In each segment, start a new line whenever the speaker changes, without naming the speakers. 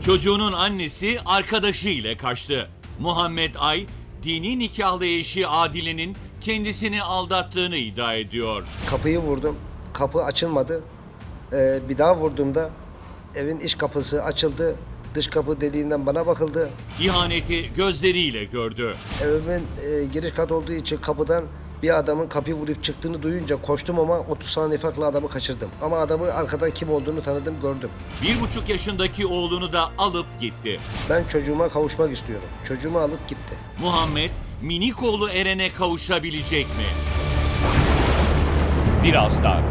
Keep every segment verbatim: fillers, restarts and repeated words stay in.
Çocuğunun annesi arkadaşı ile kaçtı. Muhammed Ay, dini nikahlı eşi Adile'nin kendisini aldattığını iddia ediyor.
Kapıyı vurdum. Kapı açılmadı. Ee, bir daha vurduğumda evin iç kapısı açıldı. Dış kapı deliğinden bana bakıldı.
İhaneti gözleriyle gördü.
Evimin e, giriş kat olduğu için kapıdan bir adamın kapıyı vurup çıktığını duyunca koştum ama otuz saniye farklı adamı kaçırdım. Ama adamı arkadan kim olduğunu tanıdım, gördüm.
Bir buçuk yaşındaki oğlunu da alıp gitti.
Ben çocuğuma kavuşmak istiyorum. Çocuğumu alıp gitti.
Muhammed, minik oğlu Eren'e kavuşabilecek mi? Birazdan.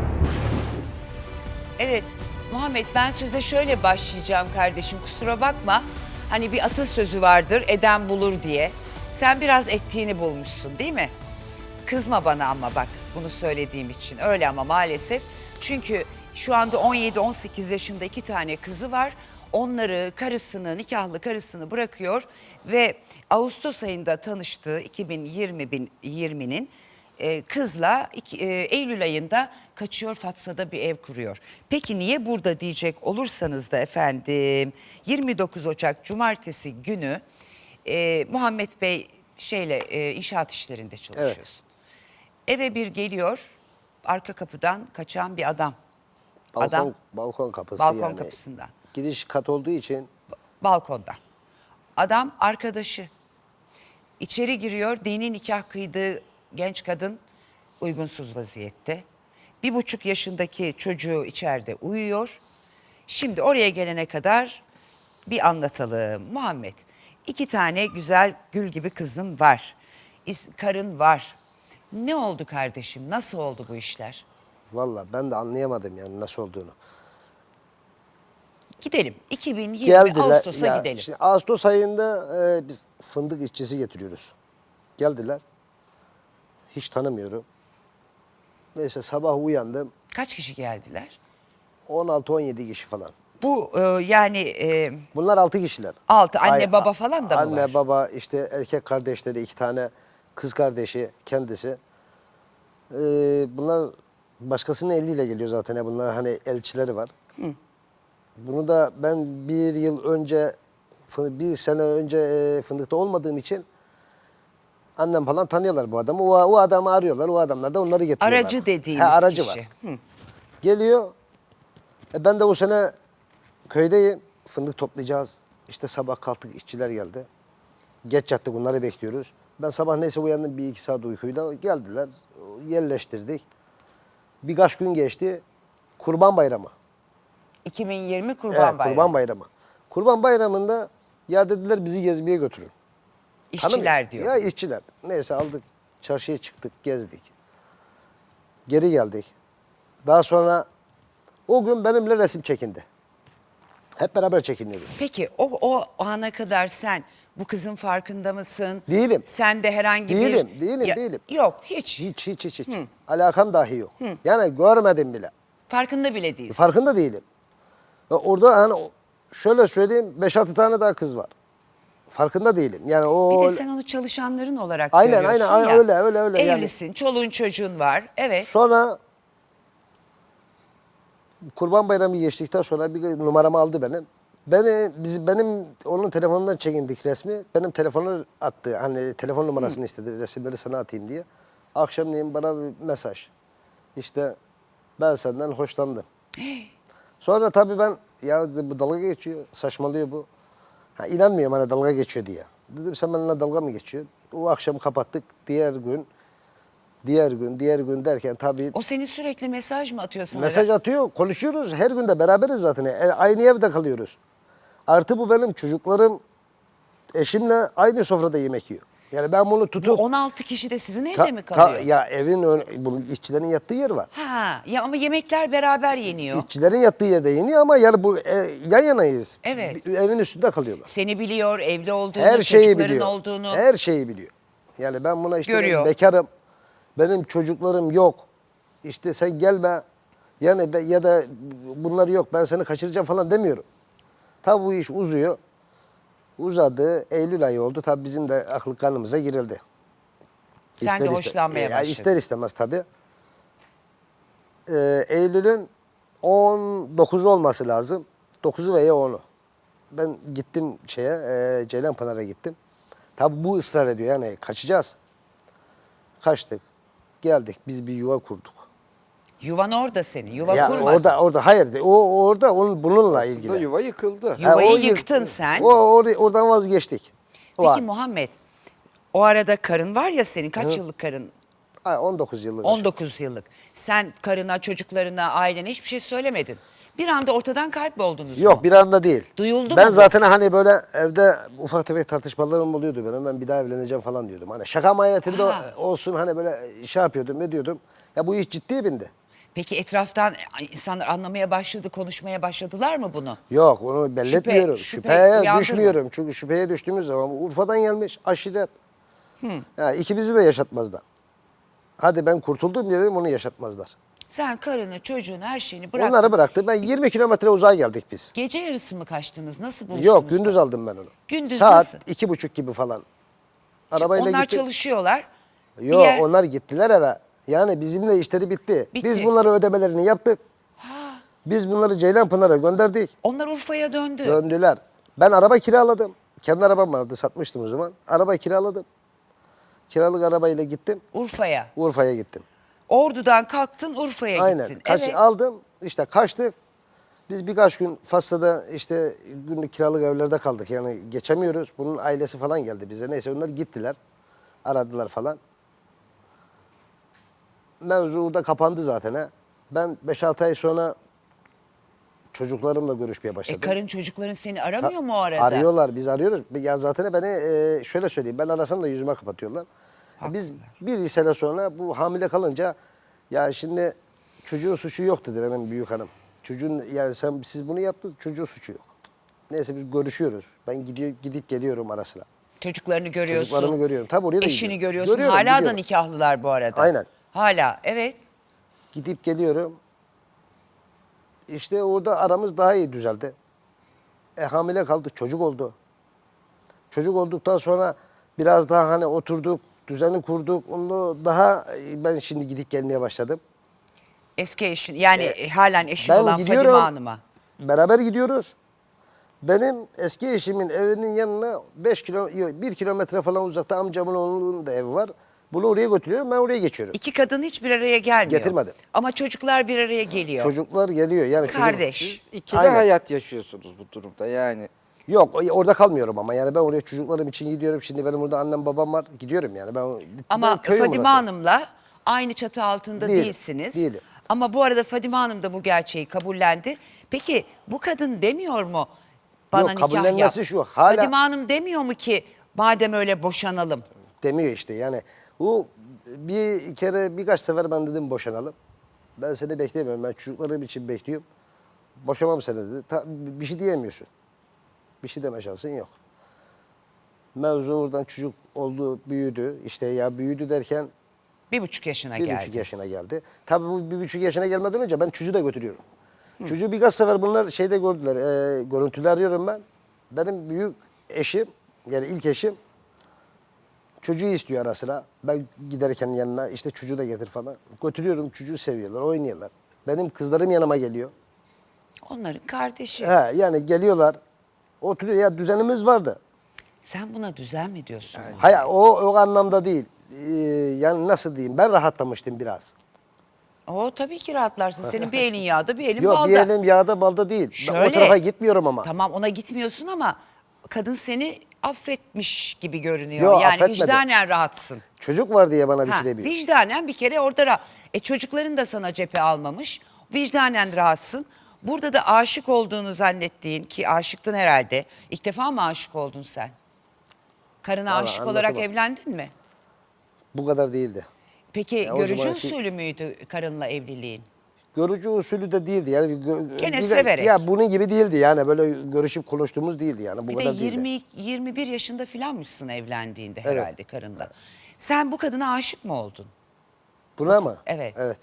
Evet Muhammed, ben söze şöyle başlayacağım kardeşim, kusura bakma. Hani bir atasözü vardır, eden bulur diye. Sen biraz ettiğini bulmuşsun değil mi? Kızma bana ama bak bunu söylediğim için. Öyle ama maalesef. Çünkü şu anda on yedi on sekiz yaşında iki tane kızı var. Onları, karısını, nikahlı karısını bırakıyor ve Ağustos ayında tanıştığı iki bin yirminin e, kızla iki, e, Eylül ayında kaçıyor, Fatsa'da bir ev kuruyor. Peki niye burada diyecek olursanız da efendim, yirmi dokuz Ocak Cumartesi günü e, Muhammed Bey şeyle e, inşaat işlerinde çalışıyorsun.
Evet.
Eve bir geliyor, arka kapıdan kaçan bir adam.
Balkon,
Adam,
balkon kapısı
balkon
yani.
kapısından.
Giriş kat olduğu için.
Balkonda. Adam arkadaşı. İçeri giriyor, dini nikah kıydığı genç kadın uygunsuz vaziyette. Bir buçuk yaşındaki çocuğu içeride uyuyor. Şimdi oraya gelene kadar bir anlatalım. Muhammed, iki tane güzel gül gibi kızın var. İs- Karın var. Ne oldu kardeşim? Nasıl oldu bu işler?
Vallahi ben de anlayamadım yani nasıl olduğunu.
Gidelim. iki bin yirmi
Geldiler.
Ağustos'a
ya
gidelim.
Şimdi Ağustos ayında e, biz fındık işçisi getiriyoruz. Geldiler. Hiç tanımıyorum. Neyse sabah uyandım.
Kaç kişi geldiler?
on altı on yedi kişi falan.
Bu e, yani e,
Bunlar altı kişiler.
altı anne
Ay-
baba falan da mı
Anne
var?
baba işte erkek kardeşleri iki tane, kız kardeşi kendisi. Ee, bunlar başkasının eliyle geliyor zaten. ya, Bunlar hani elçileri var. Bunu da ben bir yıl önce, fı- bir sene önce e, fındıkta olmadığım için annem falan tanıyorlar bu adamı. O, o adamı arıyorlar. O adamlar da onları getiriyorlar.
Aracı dediğimiz
He, aracı
kişi.
var.
Hı.
Geliyor. E ben de o sene köydeyim. Fındık toplayacağız. İşte sabah kalktık, işçiler geldi. Geç yattık, onları bekliyoruz. Ben sabah neyse uyandım, bir iki saat uykuyla geldiler. Yerleştirdik. Birkaç gün geçti. Kurban Bayramı.
iki bin yirmi Kurban
Evet,
Bayramı.
Kurban Bayramı. Kurban Bayramı'nda ya dediler bizi gezmeye götürün.
İşçiler
Tanımıyor.
diyor.
Ya işçiler. Neyse aldık, çarşıya çıktık, gezdik. Geri geldik. Daha sonra o gün benimle resim çekindi. Hep beraber çekiniyoruz.
Peki o, o ana kadar sen bu kızın farkında mısın?
Değilim.
Sen de herhangi bir...
Değilim, değilim, değilim.
Yok hiç.
Hiç, hiç, hiç, hiç. Alakam dahi yok. Yani görmedim bile.
Farkında bile değilsin.
Farkında değilim. Ve orada hani şöyle söyleyeyim, beş altı tane daha kız var. Farkında değilim. Yani o...
Bir de sen onu çalışanların olarak
Aynen,
görüyorsun
aynen, aynen,
ya.
öyle, öyle, öyle. Yani-
Evlisin, çoluğun çocuğun var. Evet.
Sonra Kurban Bayramı geçtikten sonra bir numaramı aldı benim. Beni, biz, benim onun telefonundan çekindik resmi. Benim telefonu attı. Hani telefon numarasını istedi. Resimleri sana atayım diye. Akşamleyin bana bir mesaj. İşte ben senden hoşlandım. Sonra tabii ben ya dedim, bu dalga geçiyor. Saçmalıyor bu. Ha, inanmıyorum hani dalga geçiyor diye. Dedim sen benimle dalga mı geçiyorsun? O akşam kapattık. Diğer gün, diğer gün, diğer gün derken tabii
O seni sürekli mesaj mı atıyor sana?
mesaj atıyor, konuşuyoruz. Her gün de beraberiz zaten. E, Aynı evde kalıyoruz. Artı bu benim çocuklarım eşimle aynı sofrada yemek yiyor. Yani ben bunu
Bu
tutup...
on altı kişi de sizin evde
Ta-
mi
ta-
kalıyor?
ya evin, ön, bu işçilerin yattığı yer var.
Ha, ya ama yemekler beraber yeniyor.
İşçilerin yattığı yerde yeniyor ama yani bu e, yan yanayız.
Evet.
Bir- Evin üstünde kalıyorlar.
Seni biliyor, evli olduğunu,
Her şeyi
çocukların
biliyor.
olduğunu.
Her şeyi biliyor. Yani ben buna işte
Görüyor.
ben bekarım. Benim çocuklarım yok. İşte sen gelme. Yani be- ya da bunlar yok ben seni kaçıracağım falan demiyorum. Tabi bu iş uzuyor. Uzadı. Eylül ayı oldu. Tabi bizim de aklı kanımıza girildi.
Sen de
iste-
hoşlanmaya
Ya
başladın.
İster istemez tabii. Ee, Eylül'ün on dokuzu olması lazım. dokuzu veya onu. ben gittim şeye e, Ceylanpınar'a gittim. Tabi bu ısrar ediyor yani kaçacağız. Kaçtık. Geldik biz bir yuva kurduk.
Yuvan orada senin. Yuva
Ya
kurmadın.
orada orada hayır o orada onun bununla
Aslında
ilgili.
yuva yıkıldı.
Yu- Yuvayı
o yık-
yıktın sen.
O or- oradan vazgeçtik. O
Peki
an.
Muhammed, o arada karın var ya senin. Kaç yıllık karın?
Ay, on dokuz yıllık.
on dokuz yıllık. Sen karına, çocuklarına, ailene hiçbir şey söylemedin. Bir anda ortadan kayboldunuz
Yok
mu?
bir anda değil.
Duyuldu
ben
mu bu?
zaten hani böyle evde ufak tefek tartışmalarım oluyordu benim. Ben bir daha evleneceğim falan diyordum. Hani şaka mahiyetinde
Ha.
olsun hani böyle şey yapıyordum ne diyordum. Ya bu iş ciddiye bindi.
Peki etraftan insanlar anlamaya başladı, konuşmaya başladılar mı bunu?
Yok onu belli
Şüphe-
etmiyorum.
şüphe
Şüpheye
uyandırma.
düşmüyorum. Çünkü şüpheye düştüğümüz zaman Urfa'dan gelmiş aşiret. Ya ikimizi de yaşatmazlar. Hadi ben kurtuldum dedim onu yaşatmazlar.
Sen karını, çocuğunu, her şeyini bıraktın.
Onları bıraktı. Ben yirmi kilometre uzağa geldik biz.
Gece yarısı mı kaçtınız? Nasıl buluştunuz?
Yok gündüz aldım ben onu.
Gündüz
Saat
nasıl?
iki buçuk gibi falan. Arabayla
Onlar
gittik.
çalışıyorlar. Bir
Yok
yer-
onlar gittiler eve. Yani bizimle işleri bitti.
Bitti.
Biz bunları ödemelerini yaptık. Biz bunları Ceylanpınar'a gönderdik.
Onlar Urfa'ya döndü.
Döndüler. Ben araba kiraladım. Kendi arabam vardı satmıştım o zaman. Araba kiraladım. Kiralık arabayla gittim.
Urfa'ya.
Urfa'ya gittim.
Ordu'dan kalktın Urfa'ya
Aynen.
gittin.
Kaç,
Evet.
Aldım işte kaçtık. Biz birkaç gün Fas'ta işte günlük kiralık evlerde kaldık. Yani geçemiyoruz. Bunun ailesi falan geldi bize. Neyse onlar gittiler. Aradılar falan. Mevzu orada kapandı zaten ha. Ben beş altı ay sonra çocuklarımla görüşmeye başladım.
E karın çocukların seni aramıyor
Ta-
mu o arada?
Arıyorlar, biz arıyoruz. Ya zaten beni e, şöyle söyleyeyim, ben arasam da yüzüme kapatıyorlar. Biz bir sene sonra bu hamile kalınca, ya şimdi çocuğun suçu yok dedi benim büyük hanım. Çocuğun, yani sen siz bunu yaptınız, çocuğun suçu yok. Neyse biz görüşüyoruz. Ben gidiyor, gidip geliyorum ara sıra.
Çocuklarını görüyorsun.
Çocuklarımı görüyorum. Tabii oraya da
Eşini
gidiyorum.
görüyorsun.
Görüyorum,
Hala da
gidiyorum.
nikahlılar bu arada.
Aynen.
Hala evet.
Gidip geliyorum. İşte orada aramız daha iyi düzeldi. E, hamile kaldı, çocuk oldu. Çocuk olduktan sonra biraz daha hani oturduk, düzeni kurduk. Onu daha e, ben şimdi gidip gelmeye başladım.
Eski eşin yani
E,
halen eşin
ben
olan
gidiyorum.
Fadime Hanım'a.
Beraber gidiyoruz. Benim eski eşimin evinin yanına beş kilo, bir kilometre falan uzakta amcamın oğlunun da evi var. Bunu oraya götürüyorum, ben oraya geçiyorum.
İki kadın hiçbir araya gelmiyor.
Getirmedim.
Ama çocuklar bir araya geliyor.
Çocuklar geliyor. Yani çocuk-
Kardeş.
Siz ikili
Aynen.
hayat yaşıyorsunuz bu durumda yani.
Yok o- orada kalmıyorum ama yani ben oraya çocuklarım için gidiyorum. Şimdi benim burada annem babam var. Gidiyorum yani. Ben,
Ama
ben köyüm
Fadime
burası.
Hanım'la aynı çatı altında
Değilim,
değilsiniz.
değilim.
Ama bu arada Fadime Hanım da bu gerçeği kabullendi. Peki bu kadın demiyor mu bana
Yok,
nikah yap?
kabullenmesi şu, hala-
Fadime Hanım demiyor mu ki madem öyle boşanalım?
Demiyor işte yani. Bu bir kere birkaç sefer ben dedim boşanalım. Ben seni beklemiyorum. Ben çocuklarım için bekliyorum. Boşamam seni dedi. Ta- bir şey diyemiyorsun. Bir şey deme şansın yok. Mevzu oradan çocuk oldu, büyüdü. İşte ya büyüdü derken
Bir buçuk yaşına
bir
geldi.
buçuk yaşına geldi. Tabii bu bir buçuk yaşına gelmeden önce ben çocuğu da götürüyorum. Çocuğu birkaç sefer bunlar şeyde gördüler. E, görüntüler arıyorum ben. Benim büyük eşim, yani ilk eşim çocuğu istiyor ara sıra. Ben giderken yanına işte çocuğu da getir falan. Götürüyorum, çocuğu seviyorlar, oynuyorlar. Benim kızlarım yanıma geliyor.
Onların kardeşi.
He, yani geliyorlar. Oturuyor. Ya düzenimiz vardı.
Sen buna düzen mi diyorsun?
Hayır o, o anlamda değil. Ee, yani nasıl diyeyim, ben rahatlamıştım biraz.
O tabii ki rahatlarsın. Senin bir elin yağda, bir elin
Yok
balda.
bir elim yağda balda değil. Ben o
Şöyle,
tarafa gitmiyorum ama.
Tamam ona gitmiyorsun ama kadın seni affetmiş gibi görünüyor.
Yok,
yani
affetmedi.
vicdanen rahatsın.
Çocuk var diye bana bir
Ha,
şey demiyor.
vicdanen bir kere orada ra- e çocukların da sana cephe almamış. Vicdanen rahatsın. Burada da aşık olduğunu zannettiğin ki aşıktın herhalde. İlk defa mı aşık oldun sen? Karına
Vallahi
aşık olarak
anlatamam.
evlendin mi?
Bu kadar değildi.
Peki
Ya o
görücü
zamanki-
usulü müydü karınla evliliğin?
Görücü usulü de değildi. Yani bir gö-
Gene
bir de-
severek.
Ya bunun gibi değildi yani böyle görüşüp konuştuğumuz değildi yani bu
Bir de
kadar değildi.
yirmi yirmi bir yaşında filanmışsın evlendiğinde
Evet.
herhalde karınla. Sen bu kadına aşık mı oldun?
Buna mı?
Evet.
Evet.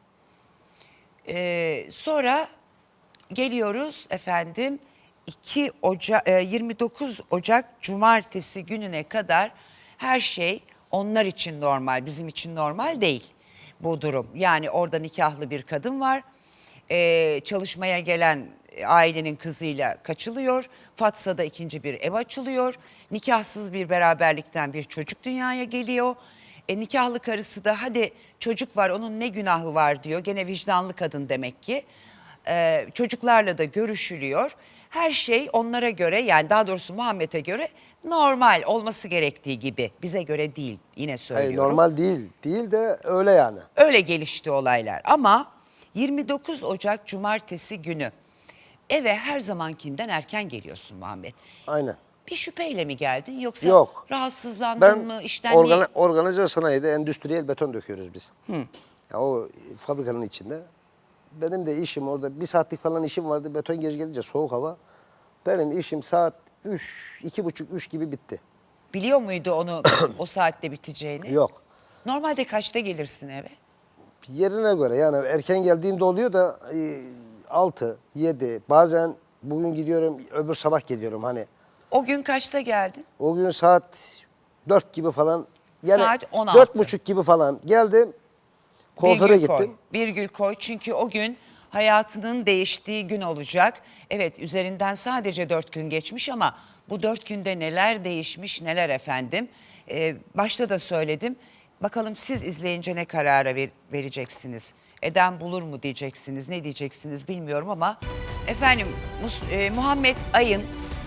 Ee, sonra geliyoruz efendim iki Ocak, e, yirmi dokuz Ocak Cumartesi gününe kadar her şey onlar için normal, bizim için normal değil bu durum. Yani orada nikahlı bir kadın var. e, çalışmaya gelen ailenin kızıyla kaçılıyor. Fatsa'da ikinci bir ev açılıyor. Nikahsız bir beraberlikten bir çocuk dünyaya geliyor. E, nikahlı karısı da hadi çocuk var onun ne günahı var diyor. Gene vicdanlı kadın demek ki. E, çocuklarla da görüşülüyor. Her şey onlara göre, yani daha doğrusu Muhammed'e göre normal olması gerektiği gibi. Bize göre değil, yine söylüyorum.
Hayır, normal değil. Değil de öyle yani.
Öyle gelişti olaylar ama yirmi dokuz Ocak Cumartesi günü eve her zamankinden erken geliyorsun Muhammed.
Aynen.
Bir şüpheyle mi geldin yoksa
Yok.
rahatsızlandın
Ben
mı? İşten
organa,
niye-
organize sanayide endüstriyel beton döküyoruz biz. Ya o fabrikanın içinde. Benim de işim orada bir saatlik falan işim vardı. Beton gece gelince soğuk hava. Benim işim saat üç, iki buçuk, üç gibi bitti.
Biliyor muydu onu o saatte biteceğini?
Yok.
Normalde kaçta gelirsin eve?
Yerine göre yani erken geldiğimde oluyor da e, altı, yedi, bazen bugün gidiyorum öbür sabah geliyorum hani.
O gün kaçta geldin?
O gün saat dört gibi falan yani
Saat on altı.
dört buçuk gibi falan geldim. Kuaföre
Virgül koy,
gittim.
Virgül koy çünkü o gün hayatının değiştiği gün olacak. Evet, üzerinden sadece dört gün geçmiş ama bu dört günde neler değişmiş neler efendim. Ee, başta da söyledim. Bakalım siz izleyince ne karara ver- vereceksiniz? Eden bulur mu diyeceksiniz, ne diyeceksiniz bilmiyorum ama efendim Mus- e, Muhammed Ay'ın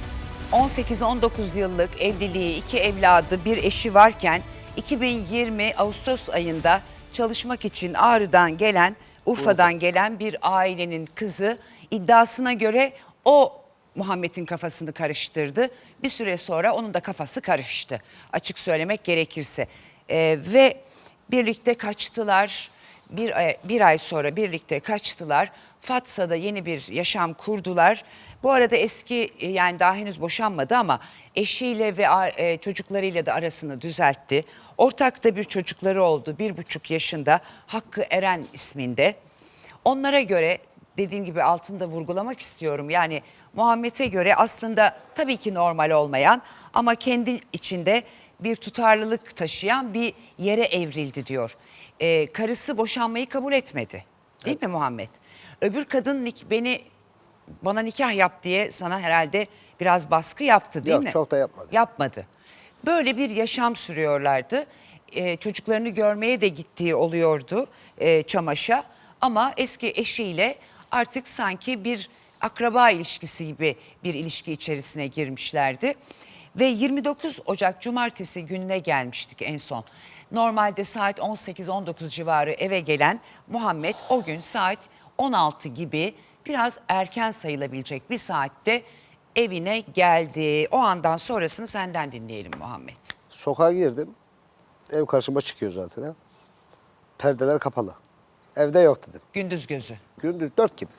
on sekiz on dokuz yıllık evliliği, iki evladı, bir eşi varken iki bin yirmi Ağustos ayında çalışmak için Ağrı'dan gelen, Urfa'dan gelen bir ailenin kızı iddiasına göre o Muhammed'in kafasını karıştırdı. Bir süre sonra onun da kafası karıştı. Açık söylemek gerekirse. Ee, ve birlikte kaçtılar. Bir ay, bir ay sonra birlikte kaçtılar. Fatsa'da yeni bir yaşam kurdular. Bu arada eski, yani daha henüz boşanmadı ama eşiyle ve e, çocuklarıyla da arasını düzeltti. Ortakta bir çocukları oldu, bir buçuk yaşında, Hakkı Eren isminde. Onlara göre, dediğim gibi altında vurgulamak istiyorum, yani Muhammed'e göre aslında tabii ki normal olmayan ama kendi içinde bir tutarlılık taşıyan bir yere evrildi diyor. Ee, karısı boşanmayı kabul etmedi, değil mi Muhammed? Öbür kadın nik- beni bana nikah yap diye sana herhalde biraz baskı yaptı, değil
Yok,
mi?
çok da yapmadı.
Yapmadı. Böyle bir yaşam sürüyorlardı. Ee, çocuklarını görmeye de gittiği oluyordu e, Çamaş'a. Ama eski eşiyle artık sanki bir akraba ilişkisi gibi bir ilişki içerisine girmişlerdi. Ve yirmi dokuz Ocak Cumartesi gününe gelmiştik en son. Normalde saat on sekiz on dokuz civarı eve gelen Muhammed o gün saat on altı gibi biraz erken sayılabilecek bir saatte evine geldi. O andan sonrasını senden dinleyelim Muhammed.
Sokağa girdim. Ev karşıma çıkıyor zaten. Ha. Perdeler kapalı. Evde yok dedim.
Gündüz gözü.
Gündüz dört gibi.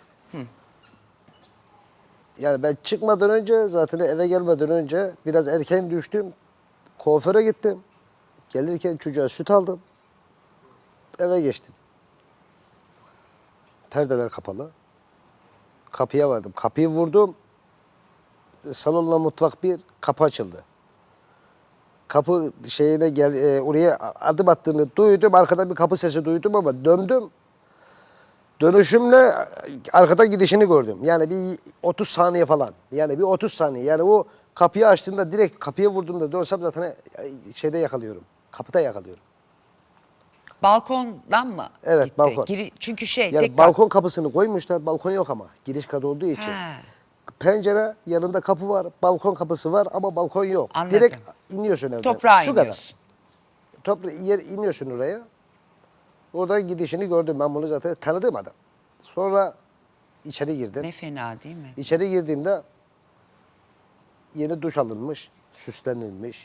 Yani ben çıkmadan önce zaten eve gelmeden önce biraz erken düştüm. Kuaföre gittim. Gelirken çocuğa süt aldım. Eve geçtim. Perdeler kapalı. Kapıya vardım. Kapıyı vurdum. Salonla mutfak bir, kapı açıldı. Kapı şeyine gel, e, oraya adım attığını duydum. Arkada bir kapı sesi duydum ama döndüm. Dönüşümle arkadan gidişini gördüm. Yani bir otuz saniye falan. Yani bir otuz saniye. Yani o kapıyı açtığında direkt kapıya vurduğumda dönsem zaten e, şeyde yakalıyorum. Kapıda yakalıyorum.
Balkondan mı
Evet,
gitti?
balkon.
Giri- çünkü şey...
Yani
tek
balkon kapısını koymuşlar. Balkon yok ama. Giriş katı olduğu için.
Ha.
Pencere, yanında kapı var. Balkon kapısı var ama balkon yok.
Anladım.
Direkt iniyorsun evden.
Toprağa
Şu
iniyorsun.
kadar. Topra yer, iniyorsun oraya. Oradan gidişini gördüm. Ben bunu zaten tanıdığım adam. Sonra içeri girdim.
Ne fena değil mi?
İçeri girdiğimde yeni duş alınmış, süslenilmiş,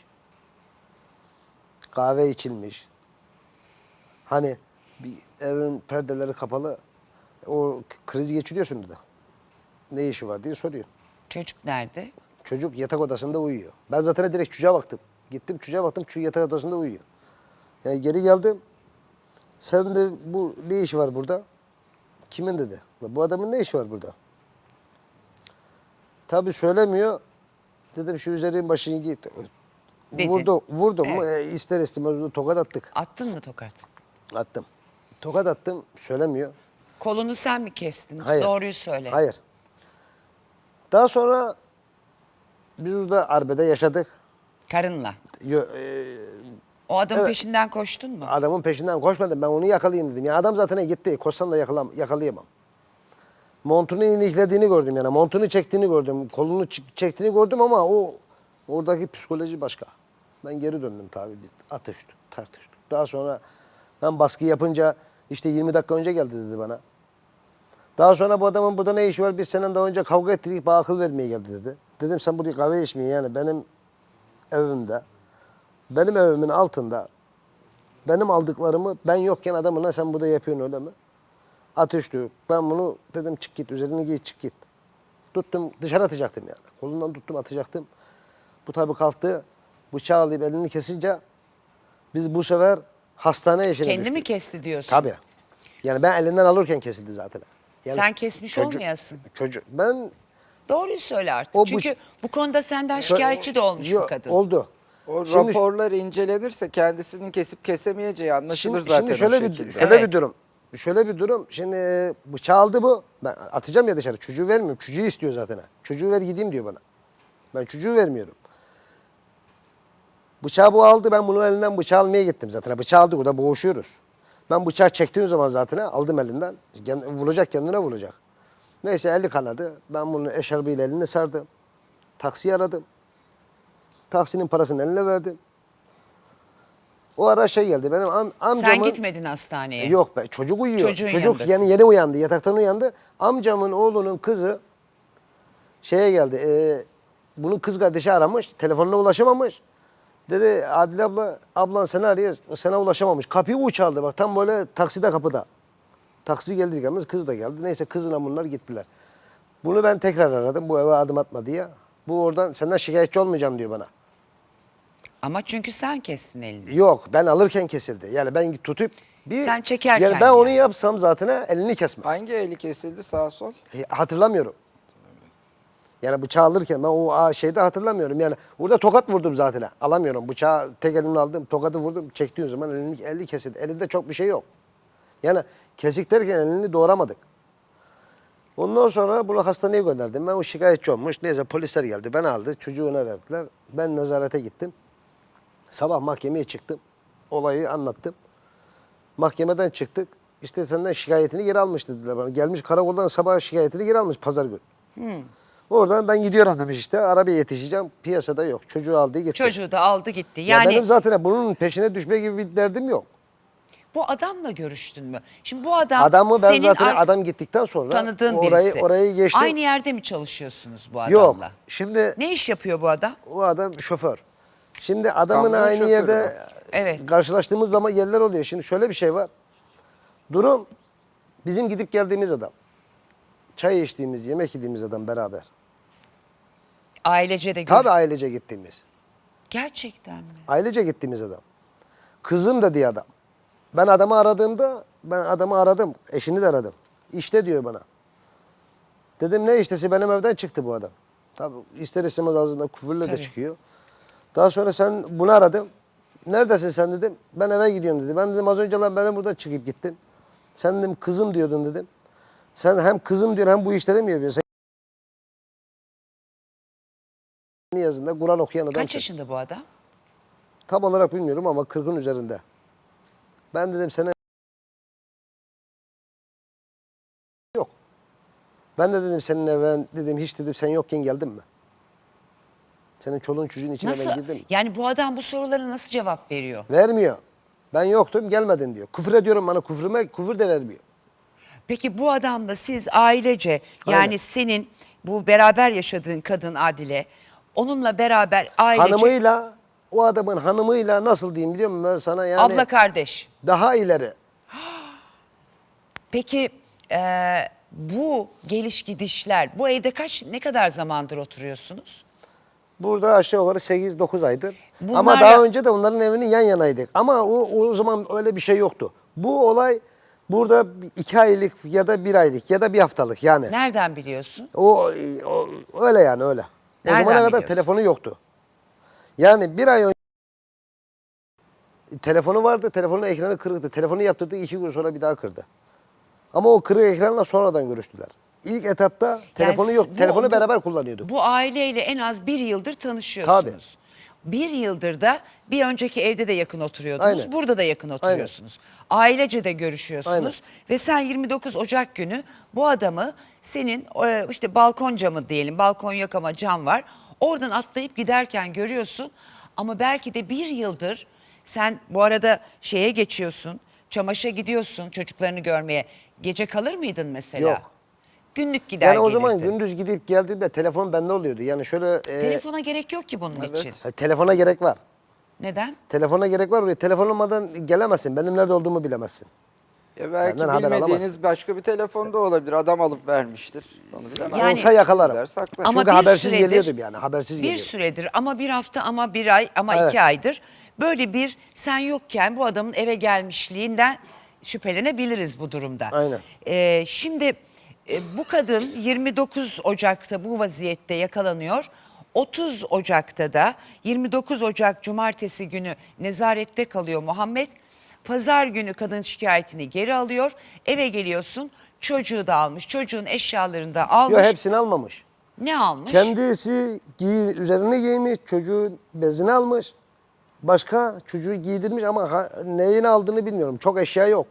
kahve içilmiş. Hani bir evin perdeleri kapalı, o kriz geçiriyorsun da. Ne işi var diye soruyor.
Çocuk nerede?
Çocuk yatak odasında uyuyor. Ben zaten direkt çocuğa baktım. Gittim çocuğa baktım, çocuk yatak odasında uyuyor. Yani geri geldim. Sen de bu ne işi var burada? Kimin dedi. Bu adamın ne işi var burada? Tabii söylemiyor. Dedim şu üzerin başını git.
Dedin.
Vurdum, vurdum mu
Evet.
e, ister istemez tokat attık.
Attın mı tokat?
Attım. Tokat attım, söylemiyor.
Kolunu sen mi kestin?
Hayır.
Doğruyu söyle.
Hayır. Daha sonra biz burada arbede yaşadık.
Karınla.
Yo- e,
O adamın
Evet.
peşinden koştun mu?
adamın peşinden koşmadım. Ben onu yakalayayım dedim. Ya adam zaten gitti. Koşsam da yakalam yakalayamam. Montunu iliklediğini gördüm yani. Montunu çektiğini gördüm. Kolunu ç- çektiğini gördüm ama o oradaki psikoloji başka. Ben geri döndüm tabii. Biz atıştık, tartıştık. Daha sonra ben baskı yapınca işte yirmi dakika önce geldi dedi bana. Daha sonra bu adamın burada ne işi var? Biz senin daha önce kavga ettik, bana akıl vermeye geldi dedi. Dedim sen buraya kahve içmeye yani benim evimde, benim evimin altında benim aldıklarımı ben yokken adamına sen burada yapıyorsun öyle mi? Atıştık. Ben bunu dedim çık git üzerini giy çık git. Tuttum dışarı atacaktım yani. Kolundan tuttum atacaktım. Bu tabii kalktı. Bıçağı alıp elini kesince biz bu sefer hastane işine
Kendi
düştük.
mi kesti diyorsun?
Tabii. Yani ben elinden alırken kesildi zaten. Yani
Sen kesmiş
çocuk-
olmayasın.
Çocuk ben
Doğruyu söyle artık.
O bu-
Çünkü bu konuda senden şikayetçi de olmuş
Yo,
bu kadın.
Oldu.
O
Şimdi-
raporlar incelenirse kendisinin kesip kesemeyeceği anlaşılır
Şimdi,
zaten
şimdi şöyle
o
bir
şekilde.
şöyle
Evet.
bir durum. Şöyle bir durum. Şimdi bıçağı aldı bu. Ben atacağım ya dışarı. Çocuğu vermiyorum. Çocuğu istiyor zaten. Çocuğu ver gideyim diyor bana. Ben çocuğu vermiyorum. Bıçağı bu aldı. Ben bunun elinden bıçağı almaya gittim zaten. Bıçağı aldı. Burada boğuşuyoruz. Ben bıçağı çektiğim zaman zaten aldım elinden. Kend- Vuracak kendine vuracak. Neyse eli kanadı. Ben bunu eşarbıyla elini sardım. Taksiyi aradım. Taksinin parasını eline verdim. O ara şey geldi. Benim am amcamın...
Sen gitmedin hastaneye.
Yok be çocuk uyuyor.
Çocuğun
çocuk
yanındasın.
yani yeni uyandı. Yataktan uyandı. Amcamın oğlunun kızı şeye geldi. E, bunun kız kardeşi aramış. Telefonuna ulaşamamış. Dedi Adile abla ablan seni arıyor. Sana ulaşamamış. Kapıyı u çaldı. Bak tam böyle takside kapıda. Taksi geldi gelmez kız da geldi. Neyse kızla bunlar gittiler. Bunu ben tekrar aradım. Bu eve adım atma diye. Bu oradan senden şikayetçi olmayacağım diyor bana.
Ama çünkü sen kestin elini.
Yok ben alırken kesildi. Yani ben tutup bir
Sen çekerken
yani ben onu
yani.
yapsam zaten elini kesme.
Hangi eli kesildi sağ sol?
E, hatırlamıyorum. Yani bıçağı alırken ben o a, şeyde hatırlamıyorum. Yani orada tokat vurdum zaten. Alamıyorum. Bıçağı tek elimle aldım. Tokatı vurdum. Çektiğim zaman elini, eli kesildi. Elinde çok bir şey yok. Yani kesik derken elini doğramadık. Ondan sonra bunu hastaneye gönderdim. Ben o şikayetçi olmuş. Neyse polisler geldi. Ben aldı. Çocuğuna verdiler. Ben nezarete gittim. Sabah mahkemeye çıktım. Olayı anlattım. Mahkemeden çıktık. İşte senden şikayetini geri almış dediler bana. Gelmiş karakoldan sabah şikayetini geri almış pazar günü.
Hmm.
Oradan ben gidiyorum demiş işte. Arabaya yetişeceğim. Piyasada yok. Çocuğu aldı gitti.
Çocuğu da aldı gitti.
Ya
Yani
benim zaten bunun peşine düşme gibi bir derdim yok.
bu adamla görüştün mü? Şimdi bu adam
Adamı ben
senin
zaten
ar-
adam gittikten sonra
tanıdığın
orayı
birisi.
orayı geçtim.
Aynı yerde mi çalışıyorsunuz bu adamla?
Yok. Şimdi
Ne iş yapıyor bu adam?
o adam şoför. Şimdi adamın
Kamyon
aynı
şoförü
yerde
mü?
Evet.
karşılaştığımız zaman yerler oluyor. Şimdi şöyle bir şey var. Durum bizim gidip geldiğimiz adam. Çay içtiğimiz, yemek yediğimiz adam beraber.
Ailece de gör-
Tabii ailece gittiğimiz.
Gerçekten mi?
Ailece gittiğimiz adam. Kızım da diye adam. Ben adamı aradığımda, ben adamı aradım. Eşini de aradım. İşte diyor bana. Dedim ne iştesi? Benim evden çıktı bu adam. Tabii ister istemez ağzından küfürle de
Tabii.
çıkıyor. Daha sonra sen bunu aradım. Neredesin sen dedim. Ben eve gidiyorum dedi. Ben dedim az önce lan beni burada çıkıp gittin. Sen dedim kızım diyordun dedim. Sen hem kızım diyor hem bu işleri mi yapıyorsun? Sen yazında Kur'an okuyan adam.
Kaç yaşında bu adam?
Tam olarak bilmiyorum ama kırkın üzerinde. Ben dedim sana yok. Ben de dedim senin eve dedim hiç dedim sen yokken geldim mi? Senin çoluğun çocuğun içine
Nasıl?
ben girdim mi?
Yani bu adam bu sorulara nasıl cevap veriyor?
Vermiyor. Ben yoktum gelmedim diyor. Küfür ediyorum bana küfrüme küfür de vermiyor.
Peki bu adamla siz ailece yani
Aynen.
senin bu beraber yaşadığın kadın Adile onunla beraber ailece
Hanımıyla o adamın hanımıyla nasıl diyeyim biliyor musun ben sana yani
abla kardeş.
daha ileri.
Peki e, bu geliş gidişler bu evde kaç ne kadar zamandır oturuyorsunuz?
Burada aşağı yukarı sekiz dokuz aydır.
Bunlarla-
Ama daha önce de onların evinin yan yanaydık. Ama o, o zaman öyle bir şey yoktu. Bu olay burada iki aylık ya da bir aylık ya da bir haftalık yani.
Nereden biliyorsun?
O, o öyle yani öyle. O
Nereden
zamana kadar
biliyorsun?
telefonu yoktu. Yani bir ay önce telefonu vardı. Telefonun ekranı kırıktı. Telefonu yaptırdık iki gün sonra bir daha kırdı. Ama o kırık ekranla sonradan görüştüler. İlk etapta telefonu
Yani
yok.
bu-
Telefonu
bu-
beraber kullanıyorduk.
Bu aileyle en az bir yıldır tanışıyorsunuz. Bir yıldır da bir önceki evde de yakın oturuyordunuz.
Aynen.
Burada da yakın oturuyorsunuz. Ailece de görüşüyorsunuz.
Aynen.
Ve sen yirmi dokuz Ocak günü bu adamı senin e, işte balkon camı diyelim. Balkon yok ama cam var. Oradan atlayıp giderken görüyorsun. Ama belki de bir yıldır sen bu arada şeye geçiyorsun. Çamaşıra gidiyorsun çocuklarını görmeye. Gece kalır mıydın mesela?
Yok.
Günlük gider
Yani o zaman
gelirdin.
gündüz gidip geldiğinde telefon bende oluyordu. Yani şöyle e,
Telefona gerek yok ki bunun için.
ha, telefona gerek var.
Neden?
Telefona gerek var. Oraya telefon olmadan gelemezsin. Benim nerede olduğumu bilemezsin.
Ya belki
Benden haber
bilmediğiniz
alamaz.
başka bir telefon da olabilir. Adam alıp vermiştir. Onu bilemem.
Yani-
Olsa yakalarım.
Sizler saklar.
Ama
Çünkü
bir
habersiz
süredir-
geliyordum yani. Habersiz
Bir
geliyordum.
süredir ama bir hafta ama bir ay ama
Evet.
iki aydır böyle bir sen yokken bu adamın eve gelmişliğinden şüphelenebiliriz bu durumda.
Aynen.
Ee, şimdi e, bu kadın yirmi dokuz Ocak'ta bu vaziyette yakalanıyor. otuz Ocak'ta da yirmi dokuz Ocak Cumartesi günü nezarette kalıyor Muhammed. Pazar günü kadın şikayetini geri alıyor. Eve geliyorsun çocuğu da almış. Çocuğun eşyalarını da almış.
Yok hepsini almamış.
Ne almış?
Kendisi giy, üzerine giymiş, çocuğun bezini almış. Başka çocuğu giydirmiş ama ha, neyini aldığını bilmiyorum. Çok eşya yok.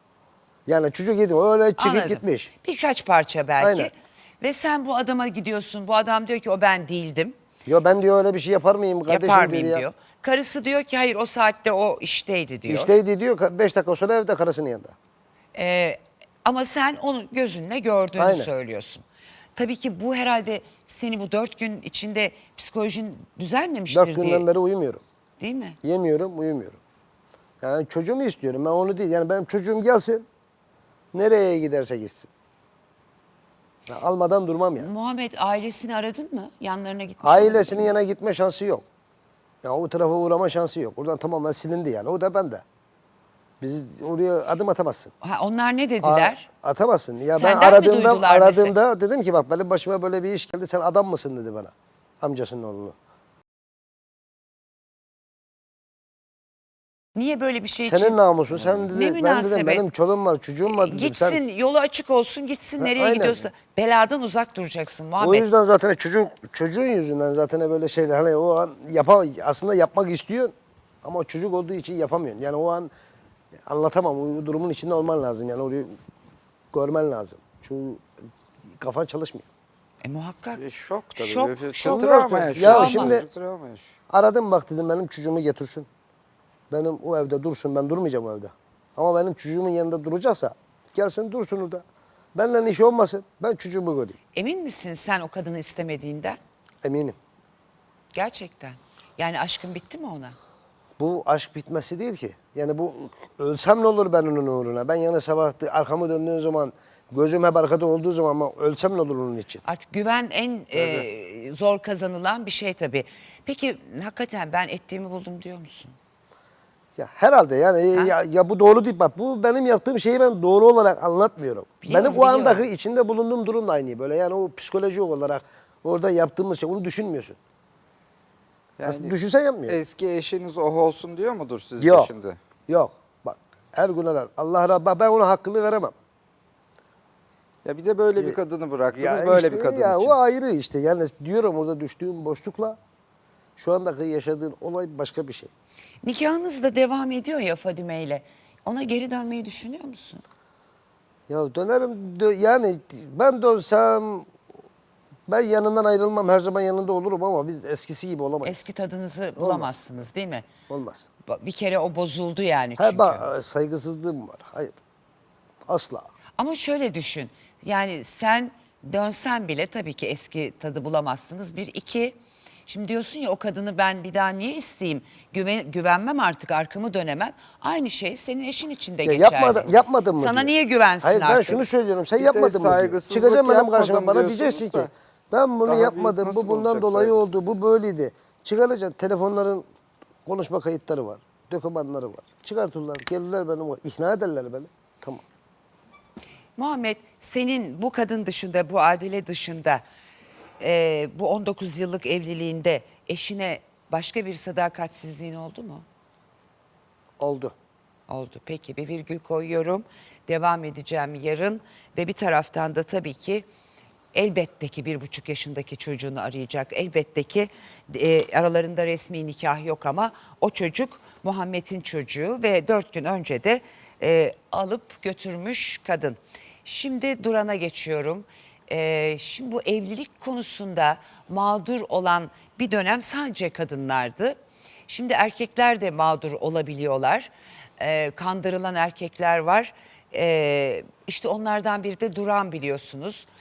Yani çocuk giydirmiş, öyle çıkıp
Anladım.
gitmiş.
Birkaç parça belki.
Aynen.
Ve sen bu adama gidiyorsun. Bu adam diyor ki o ben değildim.
Yo ben diyor öyle bir şey yapar mıyım kardeşim
Yapar mıyım
ya.
diyor. Karısı diyor ki hayır o saatte o işteydi diyor.
İşteydi diyor, beş dakika sonra evde karısının yanında.
Ee, ama sen onu gözünle gördüğünü
Aynen.
söylüyorsun. Tabii ki bu herhalde seni bu dört gün içinde psikolojin düzelmemiştir
Dört
diye.
günden beri uyumuyorum.
Değil mi?
Yemiyorum, uyumuyorum. Yani çocuğumu istiyorum, ben onu değil. Yani benim çocuğum gelsin, nereye giderse gitsin. Ya almadan durmam ya.
Muhammed ailesini aradın mı? Yanlarına gitmiş
Ailesinin
olabilir mi?
yanına gitme şansı yok. Ya o tarafa uğrama şansı yok. Oradan tamamen silindi yani. O da bende. Biz oraya adım atamazsın.
Ha, onlar ne dediler?
A- atamazsın. Ya
Senden mi
ben aradığımda
duydular
aradığımda dedim ki bak benim başıma böyle bir iş geldi. Sen adam mısın dedi bana. Amcasının oğlunu.
Niye böyle bir şey için?
Senin namusun. Sen
Ne
dedi, ben dedim
münasebet?
benim çoluğum var, çocuğum var dedim.
Gitsin
Sen,
yolu açık olsun gitsin
Ha,
nereye
aynen.
gidiyorsa. Beladan uzak duracaksın
o
Muhammed.
yüzden zaten çocuk çocuğun yüzünden zaten böyle şeyler hani o an yapa, aslında yapmak istiyor ama o çocuk olduğu için yapamıyorsun. Yani o an anlatamam. O durumun içinde olman lazım. Yani orayı görmen lazım. Çünkü kafan çalışmıyor.
E muhakkak.
E, şok tabii.
Şok,
Bir- bir
şok.
travma
Ya
yaşıyor.
şimdi-
Travma yaşıyor.
Aradım bak dedim benim çocuğumu getirsin. Benim o evde dursun, ben durmayacağım o evde. Ama benim çocuğumun yanında duracaksa gelsin dursun orada. Benden işi olmasın, ben çocuğumu göreyim.
Emin misin sen o kadını istemediğinden?
Eminim.
Gerçekten. Yani aşkın bitti mi ona?
Bu aşk bitmesi değil ki. Yani bu ölsem ne olur ben onun uğruna? Ben yani sabah arkamı döndüğüm zaman, gözüm hep arkada olduğu zaman ama ölsem ne olur onun için?
Artık güven en e, zor kazanılan bir şey tabii. Peki hakikaten ben ettiğimi buldum diyor musun?
Ya herhalde yani ya, ya bu doğru değil. Bak bu benim yaptığım şeyi ben doğru olarak anlatmıyorum.
Biliyorum,
benim o andaki
biliyorum.
içinde bulunduğum durum da aynı böyle. Yani o psikolojik olarak orada yaptığımız şey onu düşünmüyorsun. Aslında düşünsen yapmıyor.
Eski eşiniz oh olsun diyor mudur sizce
Yok.
şimdi?
Yok. Bak her gün arar. Allah razı ben ona hakkını veremem.
Ya bir de böyle bir kadını bıraktınız,
Ya
böyle
işte
bir kadın
ya
için.
o ayrı işte. Yani diyorum orada düştüğüm boşlukla şu andaki yaşadığın olay başka bir şey.
Nikahınız da devam ediyor ya Fadime ile. Ona geri dönmeyi düşünüyor musun?
Ya dönerim dö- yani ben dönsem ben yanından ayrılmam her zaman yanında olurum ama biz eskisi gibi olamayız.
Eski tadınızı bulamazsınız değil mi?
Olmaz.
Ba- Bir kere o bozuldu yani
Ha
çünkü.
bak saygısızlığım var. Hayır. Asla.
Ama şöyle düşün. Yani sen dönsen bile tabii ki eski tadı bulamazsınız. Bir, iki. Şimdi diyorsun ya o kadını ben bir daha niye isteyeyim? Güven, güvenmem artık arkamı dönemem. Aynı şey senin eşin için de
Ya
geçerli.
yapmadın, yapmadın mı
Sana
diyor.
niye güvensin
Hayır,
artık?
ben şunu söylüyorum. Sen
Bir de
yapmadın mı diyor.
saygısızlık
Çıkacaksın benim
yapmadım
karşıma bana
diyorsunuz
diyeceksin ki
da
ben bunu
daha büyük
yapmadım.
nasıl
Bu bundan
olacak
dolayı
saygısızlık?
oldu. Bu böyleydi. Çıkaracaksın. Telefonların konuşma kayıtları var. Dokümanları var. Çıkartırlar. Gelirler benim var. İkna ederler beni. Tamam.
Muhammed senin bu kadın dışında, bu Adile dışında e, bu on dokuz yıllık evliliğinde eşine başka bir sadakatsizliğin oldu mu?
Oldu.
Oldu. Peki bir virgül koyuyorum. Devam edeceğim yarın ve bir taraftan da tabii ki elbette ki bir buçuk yaşındaki çocuğunu arayacak. Elbette ki e, aralarında resmi nikah yok ama o çocuk Muhammed'in çocuğu ve dört gün önce de e, alıp götürmüş kadın. Şimdi Duran'a geçiyorum. E, şimdi bu evlilik konusunda mağdur olan bir dönem sadece kadınlardı. Şimdi erkekler de mağdur olabiliyorlar. E, kandırılan erkekler var. E, işte onlardan biri de Duran biliyorsunuz.